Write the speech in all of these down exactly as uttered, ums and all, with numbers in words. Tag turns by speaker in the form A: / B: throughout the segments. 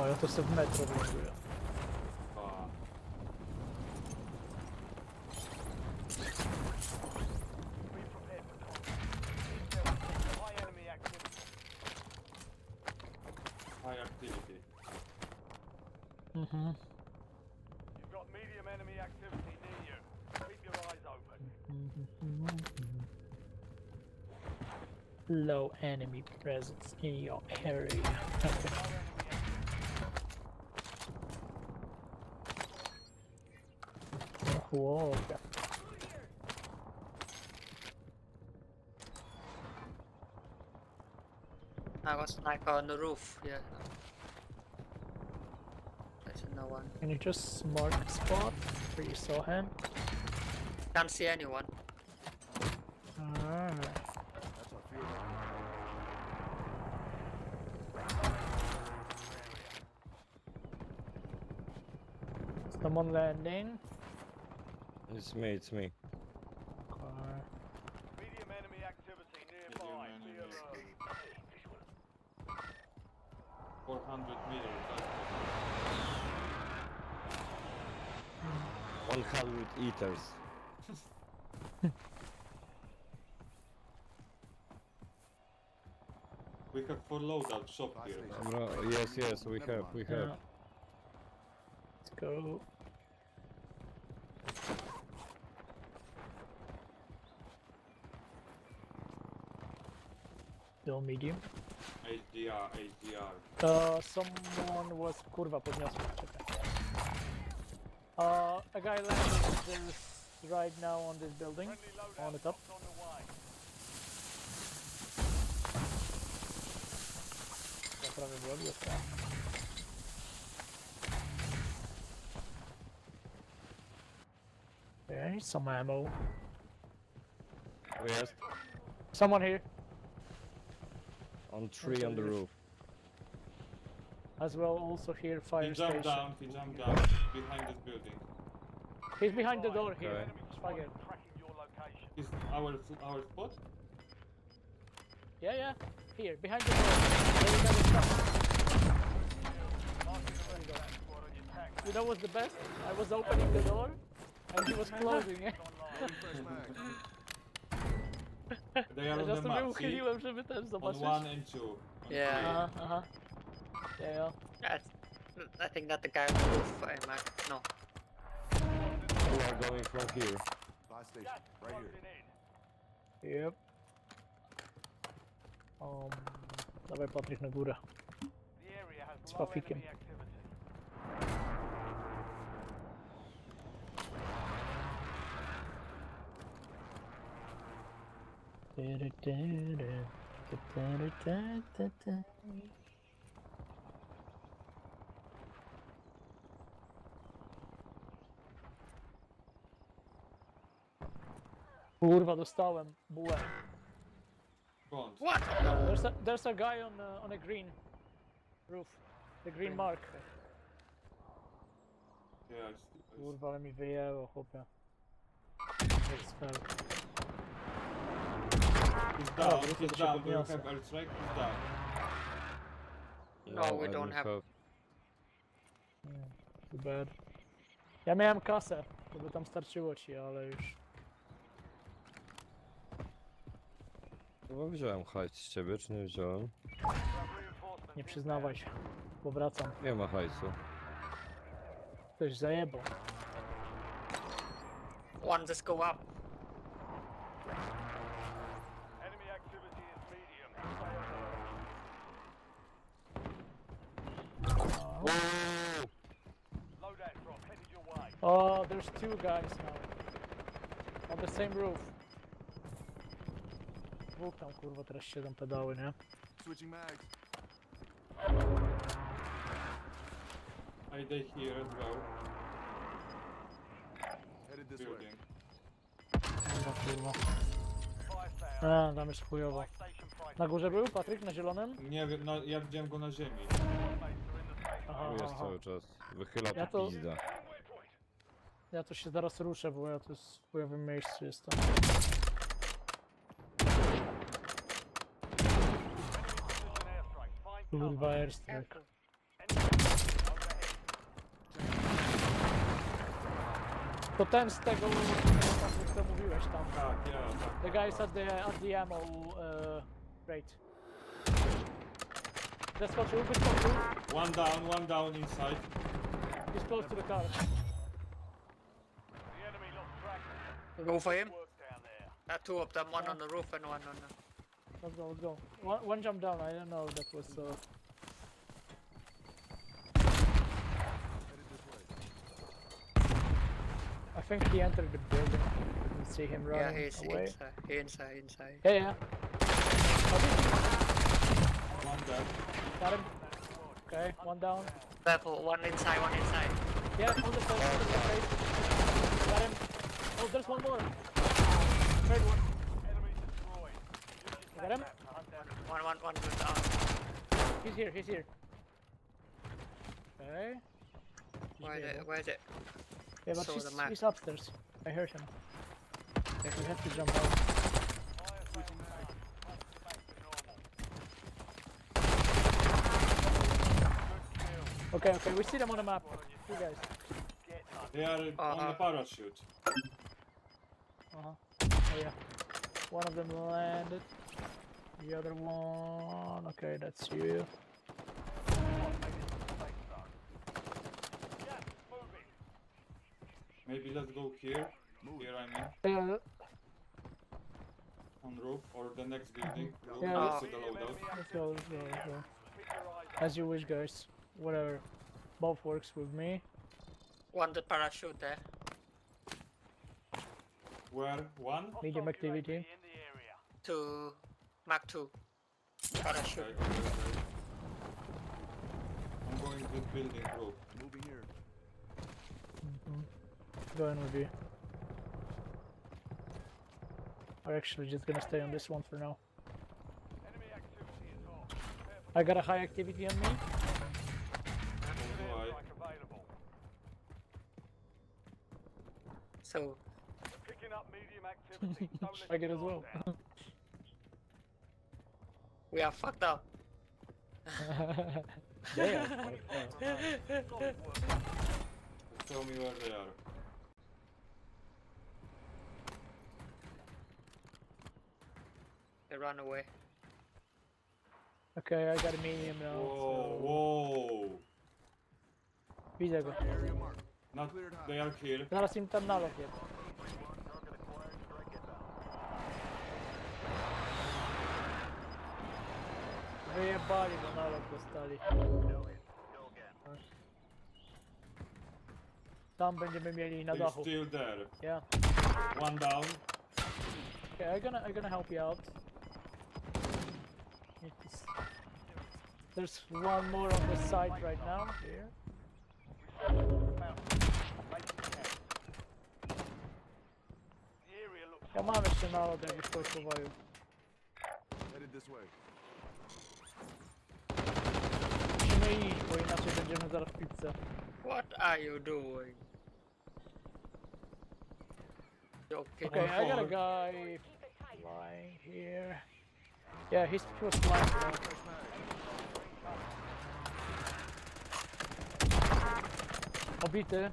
A: O, ja to sobie w metro wląduję.
B: A,
C: Be prepared for combat. There was high enemy activity.
B: high activity.
A: Mhm.
C: You've got medium enemy activity near you. Keep your eyes open.
A: Low enemy presence in your area.
C: No enemy activity.
A: Whoa, okay.
D: I got sniper on the roof, yeah. There's no one.
A: Can you just mark the spot where you saw him?
D: Can't see anyone.
A: Alright.
E: That's our field.
A: Someone landing.
F: It's me, it's me.
A: Okay.
C: Medium enemy activity nearby. Be
B: enemy
C: alert.
B: four hundred meters. That's
F: one hundred eaters.
B: we have four loadout shop
E: Fast
B: here.
E: station.
F: Bro, yes, yes, we
E: Never
F: have,
E: mind.
F: we
A: Yeah.
F: have.
A: Let's go. Still medium.
B: H D R, H D R.
A: Uh, someone was... Kurwa, podniosłem, czekaj. Uh, a guy landed this right now on this building.
C: Friendly loadout
A: On the top.
C: box on the way.
A: Ja prawie byłem, jest tam. Okay, I need some ammo.
F: Yes,
A: Someone here,
F: on tree on the roof.
A: as well. Also here,
B: He
A: fire
B: jumped
A: station.
B: down, he jumped down behind this building.
A: He's behind the door here.
F: Okay.
C: Enemy
A: Schwager.
C: squad tracking your location.
B: Is our our spot?
A: Yeah, yeah. Here, behind the door. There we got the stuff.
C: Marking the rest of that squad on your tac map.
A: You know what's the best? I was opening the door, and he was closing it.
C: Online.
E: Fresh mag.
B: They are
A: Ja
B: on the
A: sobie
B: map, see?
A: uchyliłem, żeby też
B: On
A: zobaczyć.
B: one and two. On
D: Yeah.
B: three.
A: Aha, aha. Yeah, yeah.
D: That's, I think that the guy on the roof, uh, Mac. No.
F: We are going from here.
E: Fast station.
C: Gas
E: Right
C: closing
E: here.
C: in.
A: Yep. Um, dawaj Patryk na górę.
C: The area has
A: Z
C: low
A: pafikiem.
C: enemy activity.
A: Kurwa, dostałem bułę.
B: Front.
D: What?
A: There's a, there's a guy on a, on a green roof. The green mark.
B: Yeah, I see. I see.
A: Kurwa, ale mi wyjęło, chłopie. Jak spell.
B: He's down,
A: wrócę,
B: he's
A: to się
B: down. Do you
A: podniosę.
B: have airstrike? He's down.
D: No, we
F: I
D: don't have-
A: Yeah, too bad. Ja miałem kasę, żeby tam starczyło ci, ale już...
F: Chyba wziąłem hajs z ciebie, czy nie wziąłem?
C: Grab reinforcements
A: Nie przyznawaj się. Powracam.
F: Nie ma hajsu.
A: Ktoś zajebał.
D: One just go up.
C: Enemy activity is medium. Stay alert. Loadout drop headed your way.
A: Oh, there's two guys now. On the same roof. Dwóch tam, kurwa, teraz siedzą pedały, nie?
E: Switching mags.
B: I they here as well.
E: Headed this way.
B: Building.
A: Kurwa, kurwa.
C: Five down.
A: A, tam jest chujowo.
C: Buy station price.
A: Na górze był Patryk, na zielonym?
B: Nie wiem, no ja widziałem go na ziemi.
C: Squad mates are in the safe
A: Aha,
F: Tu jest
A: aha.
F: cały czas. Wychyla
A: Ja
F: tu
A: to-
F: pizda.
A: Ja to się zaraz ruszę, bo ja tu jest w chujowym miejscu jestem.
C: Precision airstrike. Find cover.
A: Kurwa, airstrike.
C: Enemy
A: To ten z tego, co mówiłeś tam.
B: Tak, ja, tak.
A: The guys at the at the ammo uh, rate. Zeskoczył, wyskoczył.
B: One down, one down inside.
A: He's close to the car.
C: The enemy lost track.
D: Go for him.
C: Work down there.
D: Uh, two of them, one on the roof and one on the...
A: Let's go, let's go. One, one jump down, I don't know, that was uh,
E: Headed this way.
A: I think he entered the building. You can see him
D: Yeah,
A: running
D: he's
A: away.
D: inside. He inside, inside.
A: Yeah, yeah.
B: One dead.
A: Got him. Okay, one down.
D: Level, one inside, one inside.
A: Yeah, on the face, on the face. Got him. Oh, there's one more. Third one.
C: Enemy destroyed. Use
A: You
C: your
A: got him?
C: map to hunt down
D: One, one, one good down.
A: He's here, he's here. Okay. He's
D: Where is
A: there,
D: it? Where is it?
A: yeah, but
D: saw
A: he's,
D: the map.
A: he's upstairs. I heard him. Yeah, we have to jump out.
C: fire sale down. Back to normal. Good kill.
A: Okay, okay, we see them on the map. You guys.
C: Get hunted.
B: They are on
D: Uh-huh.
B: the parachute.
A: Uh-huh. Oh yeah. One of them landed. The other one... Okay, that's you.
C: Gas is moving.
B: Maybe let's go here.
E: Move.
B: Here I mean.
A: Yeah,
B: On roof or the next building. Roof
A: Yeah,
B: next to
C: Medium
B: the loadout.
C: enemy
A: let's go, let's go, let's go.
C: Keep your eyes out.
A: As you wish, guys. Whatever. Both works with me.
D: One the parachute there.
B: Where? One?
A: Medium
C: Hostile
A: activity.
C: U A V in the area.
D: Two, Mark two. Parachute.
B: Okay, okay, okay. I'm going to this building roof.
E: Moving here.
A: Mm-hmm. Going with you. We're actually just gonna stay on this one for now.
C: Enemy activity is on. Prepare for
A: I got a high activity on me.
B: Alright.
C: strike available.
D: So,
C: Picking up medium activity. Don't let
A: I get
C: your
A: as well.
C: guard down.
D: we are fucked up.
A: Yeah.
C: Solid work.
B: Just tell me where they are.
D: They run away.
A: Okay, I got a medium now.
B: Whoa,
A: So...
B: whoa.
A: Widzę go.
E: Area marked.
B: Not,
E: Cleared high.
B: they are here.
A: Zaraz im tam nalot jest. Wyjebali, bo nalot dostali. Tam będziemy mieli na
B: They're
A: dachu.
B: still there.
A: Yeah.
B: One down.
A: Okay, I'm gonna I'm gonna help you out. Need to s- There's one more on the side right now. Here.
C: The area looks
A: Ja mam jeszcze nalot, jakbyś potrzebował.
E: Headed this way.
A: Musimy iść, bo inaczej będziemy zaraz w pizzę.
D: What are you doing? Joking.
A: Okay, I got a
B: forward.
A: guy flying here. Yeah, he's he was flying. There.
E: Fresh mag.
A: Obity.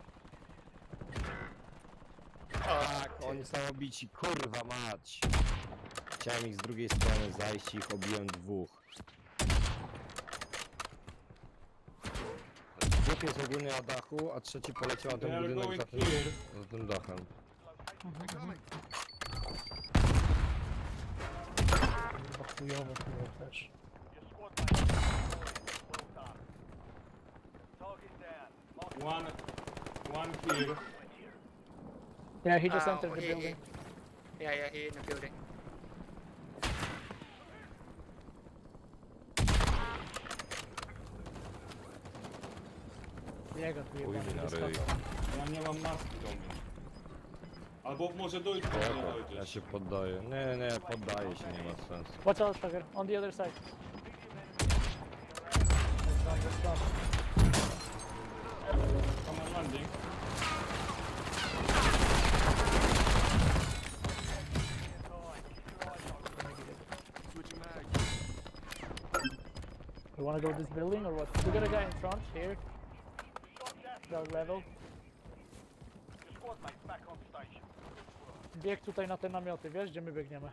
F: Tak, oni są obici, kurwa mać. Chciałem ich z drugiej strony zajść i ich obiłem dwóch. Dwóch jest ogólnie na dachu, a trzeci poleciał na
B: They
F: ten
B: are
F: budynek
B: going
F: za tym,
B: here.
F: za tym dachem.
E: They're coming.
A: Chyba chujowo było też.
C: your squad mate. Well done. Target down. Mark
B: One, one here.
A: Yeah, he just
D: Oh,
A: entered the
D: he-
A: building.
D: he- Yeah, yeah, he in the building.
A: Jego tu
F: Chuj mi
A: jebany
F: na
A: wyskakał.
F: ryj.
B: Ja nie mam maski do mnie. Albo może dojść, może nie
F: Spoko, ja
B: dojdziesz.
F: się poddaję. Nie, nie, poddaję się, nie ma sensu.
A: Watch out, Sugar. On the other side. That's done, that's done.
B: Come on, landing.
E: Switching mag.
A: You wanna go this building or what? We got a guy in front here. Ground level.
C: Your squad
A: biegł tutaj na te namioty, wiesz gdzie my biegniemy?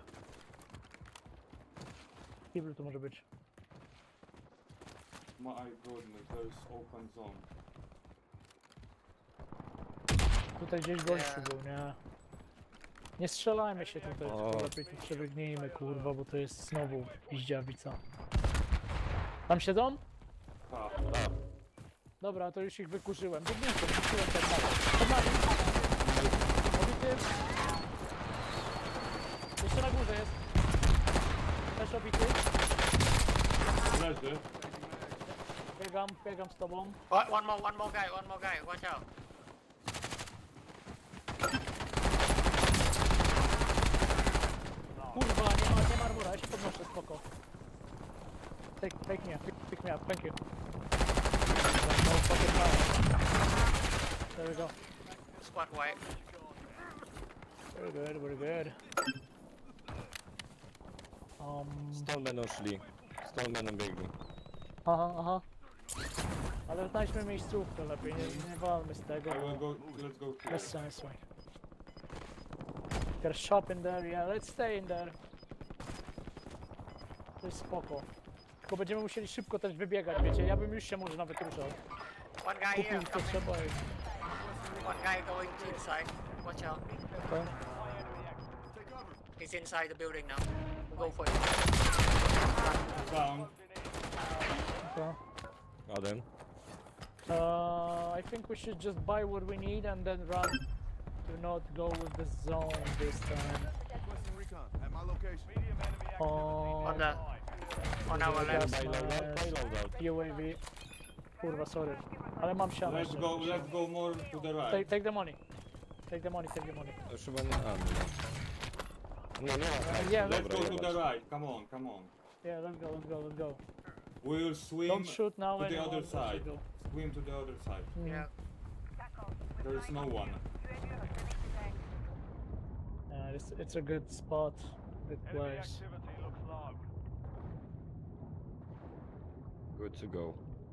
A: Kibel tu może być.
B: My goodness, there's open zone.
A: Tutaj gdzieś gościu był, nie? Nie strzelajmy się tutaj,
F: O.
A: tylko lepiej tu przebiegnijmy, kurwa, bo to jest znowu piździawica. Tam siedzą?
B: Tak.
A: Dobra, to już ich wykurzyłem. Biegnięcie, wykurzyłem ten dalej. Pod nami! Obity. Jeszcze na górze jest. Też obity.
B: Leży.
A: Biegam, biegam z tobą.
D: One, one more, one more guy, one more guy. Watch out.
A: Kurwa, nie ma, nie ma armora, ja się podnoszę, spoko. Take, take me, pick, pick me up, thank you. No fucking power. There we go.
D: Squad white.
A: Very good, very good. Um,
F: Stąd będą szli. Stąd będą biegli.
A: aha, aha. Ale znajdźmy miejscówkę lepiej, nie, nie walmy z tego,
B: I will
A: bo
B: go, let's go here.
A: bez sensu. Got a shop in there, yeah, let's stay in there. To jest spoko. Tylko będziemy musieli szybko też wybiegać, wiecie, ja bym już się może nawet ruszał.
D: One guy here.
A: Kupić to
D: Coming.
A: trzeba i...
D: One guy going to inside. Watch out.
A: Okay.
E: Take cover.
D: He's inside the building now. We'll go for it.
B: Down.
A: Okay.
F: Jeden.
A: Uh, I think we should just buy what we need and then run. Do not go with the zone this time.
E: Requesting recon at my location.
C: Medium enemy activity.
A: Oh,
D: On the, on our
A: Yeah,
D: left.
A: but-
F: Buy loadout, buy loadout.
A: U A V. Kurwa, sorry. Ale mam siano.
B: Let's
A: jeszcze.
B: go, let's go more to the
A: Take,
B: right.
A: take the money. Take the money, take the money.
F: To już chyba nie... A, nie. Nie, nie ma hajsu,
A: Yeah,
B: Let's
F: dobra,
B: go to
F: jebać.
B: the right. Come on, come on.
A: Yeah, let's go, let's go, let's go.
B: We will swim
A: Don't shoot now
B: to the
A: anyone,
B: other
A: let's
B: side.
A: go.
B: Swim to the other side.
A: Mhm.
D: Yeah.
B: There is no one.
A: Yeah, it's, it's a good spot. Good
C: Enemy
A: place.
C: activity looks low.
F: Good to go.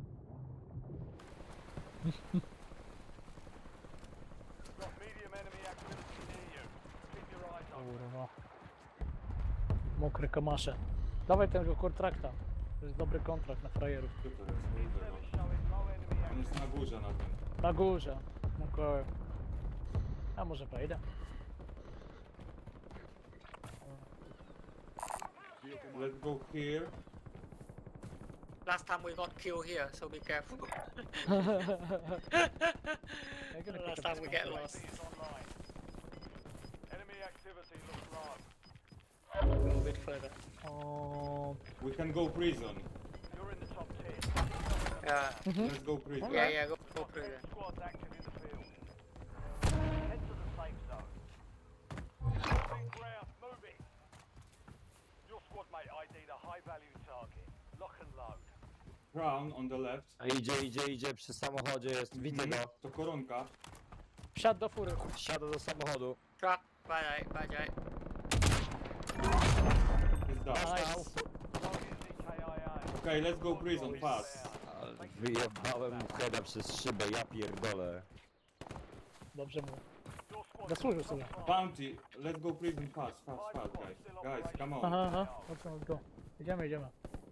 C: Got medium enemy activity near you. Keep your eyes open.
A: Kurwa. Mokre kamasze. Dawaj tego kontrakta. To jest dobry kontrakt na frajerów.
B: Gdzie to jest? Widzę
C: Cell
B: go.
C: is showing low enemy
B: On jest
C: activity.
B: na górze na tym.
A: Na górze. Okej. A może wejdę?
E: Vehicle marked.
B: Let's go here.
D: Last time we got killed here, so be careful.
A: I'm gonna pick
D: Last
A: up
D: time
A: this
D: we get
A: contract.
D: lost.
C: Is online. Enemy activity looks low.
D: Go a bit further.
A: Um,
B: We can go prison.
C: You're in the top ten.
D: Yeah.
B: Let's go prison.
D: Yeah, yeah, go, go through there.
C: Squads active in the field. Head to the safe zone. Moving ground, moving. Your squad mate I D'd a high value target. Lock and load.
B: Crown on the left.
F: A idzie, idzie, idzie przy samochodzie jest. Widzę go.
B: To koronka.
A: wsiadł do fury.
F: Siada do samochodu.
D: Truck. Bye, bye, bye.
B: Jest down.
A: Nice.
C: Target is E K I A.
B: Okay, let's go prison fast.
F: Ale wyjebałem mu heada przez szybę, ja pierdolę.
A: Dobrze mu.
C: Your squad
A: Zasłużył sobie.
B: Bounty. Let's go prison fast, fast, fast, guys. Guys, come on.
A: Aha, aha. Let's go, let's go. Idziemy, idziemy.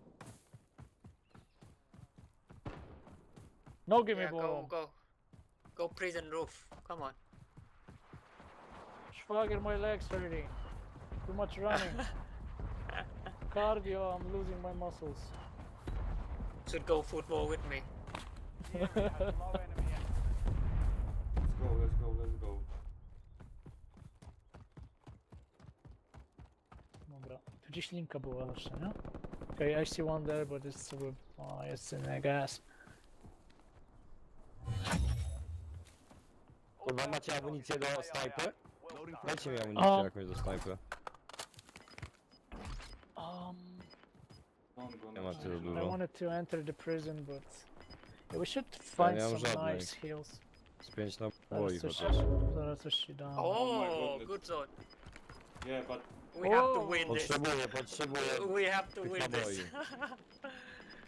A: Nogi mi
D: Yeah, go,
A: bolą.
D: go. Go prison roof. Come on.
A: Schwager, my legs hurting. Too much running. Cardio, I'm losing my muscles.
D: Should go football with me.
C: The enemy has low enemy activity.
B: Let's go, let's go, let's go.
A: Dobra. Tu gdzieś linka była jeszcze, nie? Okay, I see one there, but it's with... Oh, it's in the gas.
F: Kurwa, macie amunicję do snajpy?
E: Loading front.
F: Dajcie mi amunicję
A: O.
F: jakąś do snajpy.
A: Um,
B: Don't go.
F: Nie ma tyle
A: I
F: dużo.
A: wanted to enter the prison, but... Yeah, we should
F: Ja
A: find
F: nie mam
A: some
F: żadnej.
A: nice heals.
F: Z pięć
A: Zaraz
F: naboi
A: coś,
F: chociaż.
A: zaraz coś ci dam.
B: my
D: Oh,
B: goodness.
D: good zone.
B: Yeah, but
D: We have to
A: Oh.
D: win this.
F: Potrzebuję, potrzebuję.
D: We have to
F: tych
D: win
F: naboi.
D: this.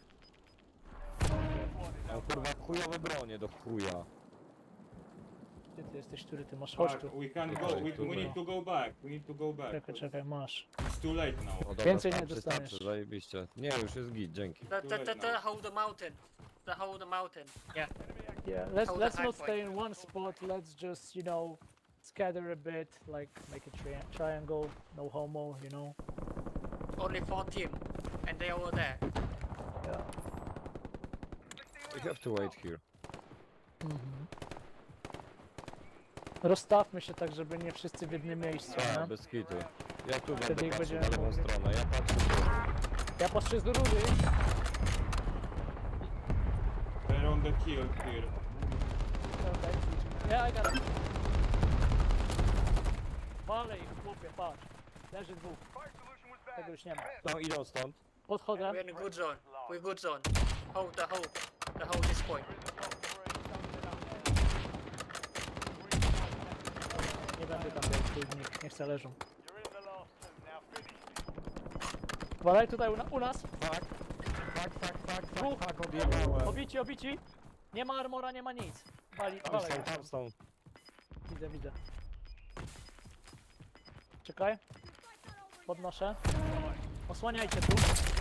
F: Mam kurwa chujowe bronie do chuja.
A: Gdzie ty jesteś, który ty masz? Chodź
B: Tak,
A: tu.
B: we can go, we, we need to go back, we need to go back.
A: Czekaj, czekaj, masz.
B: It's too late now.
F: O, dobra,
A: Więcej nie
F: starczy,
A: dostaniesz.
F: starczy, zajebiście. Nie, już jest git, dzięki.
D: The, the, the, the hold the mountain. The hold the mountain. Yeah.
A: Yeah, let's
D: Hold the
A: let's
D: high
A: not
D: point.
A: stay in one spot. Let's just, you know, scatter a bit, like make a tri triangle, no homo, you know.
D: Only four team. And they over there.
A: Yeah.
F: We have to wait here.
A: Mhm. Rozstawmy się tak, żeby nie wszyscy w jednym miejscu,
F: A,
A: nie?
F: bez kitu. Ja tu
A: Wtedy
F: będę
A: ich
F: patrzył na
A: będziemy
F: lewą
A: mogli-
F: stronę, ja patrzę tu.
A: Ja patrzę z rury.
B: They're on the kill here.
A: Okay. Yeah, I got it. Walej, chłopie, patrz. Leży dwóch. Tego już nie ma.
F: No idą stąd.
A: Podchodzę.
D: We're in a good zone. We're good zone. Hold the hold. The hold this point.
A: Nie będę tam biegł, tu nikt nie chce leżą.
C: You're in the last two. Now finish.
A: Walej tutaj u, na, u nas.
F: Tak, tak, tak, tak,
A: Dwóch.
F: tak, tak, odjebałem.
A: Obici, obici. Nie ma armora, nie ma nic. Wali,
F: Tam
A: walej.
F: są, tam są.
A: Widzę, widzę. Czekaj. Podnoszę. Osłaniajcie tu.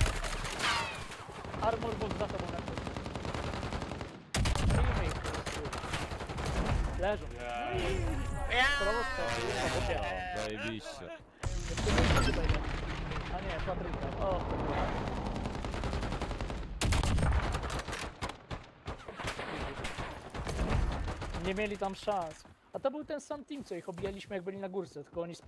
A: Armor box za tobą leży. Zabijmy ich. Leżą.
B: Yeah.
A: Proste.
F: O, zajebiście.
A: Jeszcze jeden tutaj jest. A nie, Patryka. O, kurwa. Nie mieli tam szans. A to był ten sam team, co ich obijaliśmy jak byli na górce, tylko oni z